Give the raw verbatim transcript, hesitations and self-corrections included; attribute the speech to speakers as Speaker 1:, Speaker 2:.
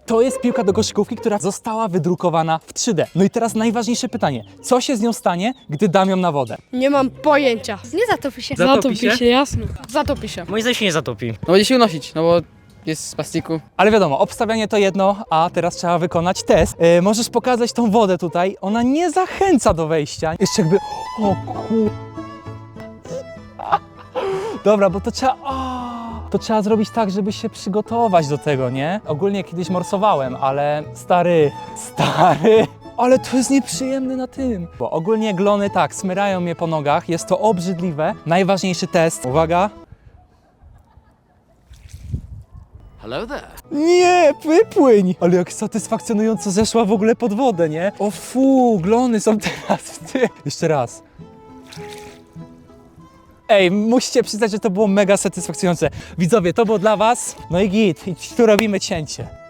Speaker 1: To jest piłka do koszykówki, która została wydrukowana w trzy D. No i teraz najważniejsze pytanie. Co się z nią stanie, gdy dam ją na wodę?
Speaker 2: Nie mam pojęcia.
Speaker 3: Nie zatopi się.
Speaker 1: Zatopi
Speaker 2: Zatopi
Speaker 1: się?
Speaker 2: się, jasno. Zatopi się.
Speaker 4: Moim zdaniem się nie zatopi.
Speaker 5: No będzie się unosić, no bo jest z plastiku.
Speaker 1: Ale wiadomo, obstawianie to jedno, a teraz trzeba wykonać test. E, możesz pokazać tą wodę tutaj. Ona nie zachęca do wejścia. Jeszcze jakby... O kur... Dobra, bo to trzeba... O, to trzeba zrobić tak, żeby się przygotować do tego, nie? Ogólnie kiedyś morsowałem, ale stary, stary... Ale to jest nieprzyjemne na tym. Bo ogólnie glony tak, smyrają mnie po nogach, jest to obrzydliwe. Najważniejszy test, uwaga.
Speaker 6: Hello there.
Speaker 1: Nie, wypłyń! Ale jak satysfakcjonująco zeszła w ogóle pod wodę, nie? O fu, glony są teraz w tym. Jeszcze raz. Ej, musicie przyznać, że to było mega satysfakcjonujące. Widzowie, to było dla was. No i git, i tu robimy cięcie.